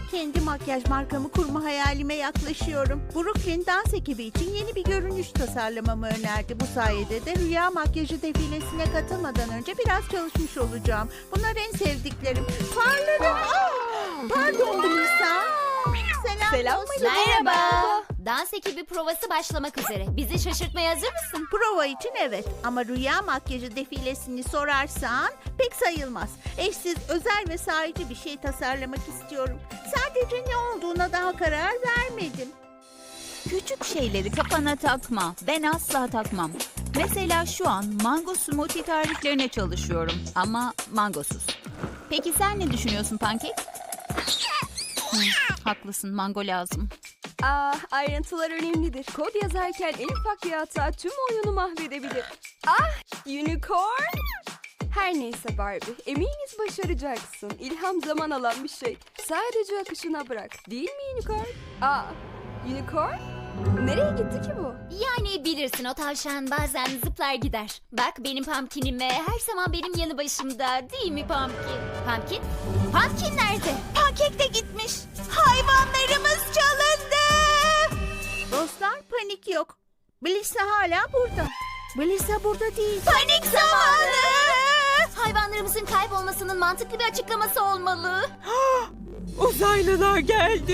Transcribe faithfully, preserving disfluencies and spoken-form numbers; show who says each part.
Speaker 1: Kendi makyaj markamı kurma hayalime yaklaşıyorum. Brooklyn dans ekibi için yeni bir görünüş tasarlamamı önerdi. Bu sayede de rüya makyajı defilesine katılmadan önce biraz çalışmış olacağım. Bunlar en sevdiklerim. Farlarım. Aa, pardon Melisa. Selam.
Speaker 2: Selam
Speaker 1: dostum.
Speaker 2: Merhaba. Dans ekibi provası başlamak üzere. Bizi şaşırtmaya hazır mısın?
Speaker 1: Prova için evet ama rüya makyajı defilesini sorarsan pek sayılmaz. Eşsiz, özel ve sahici bir şey tasarlamak istiyorum. Sadece ne olduğuna daha karar vermedim.
Speaker 3: Küçük şeyleri kafana takma. Ben asla takmam. Mesela şu an mango smoothie tariflerine çalışıyorum ama mangosuz. Peki sen ne düşünüyorsun Pankek? Hı, haklısın, mango lazım.
Speaker 4: Ah, ayrıntılar önemlidir. Kod yazarken en ufak bir hata tüm oyunu mahvedebilir. Ah, unicorn! Her neyse Barbie, eminiz başaracaksın. İlham zaman alan bir şey. Sadece akışına bırak. Değil mi unicorn? Aa, unicorn? Nereye gitti ki bu?
Speaker 2: Yani bilirsin, o tavşan bazen zıplar gider. Bak benim pumpkinime her zaman benim yanı başımda, değil mi Pumpkin? Pumpkin? Pumpkin nerede?
Speaker 3: Pankek de gitmiş. Hayvanlarımız çalındı.
Speaker 1: Dostlar panik yok. Melisa hala burada. Melisa burada değil.
Speaker 3: Panik zamanı.
Speaker 2: Hayvanlarımızın kaybolmasının mantıklı bir açıklaması olmalı.
Speaker 5: Uzaylılar geldi.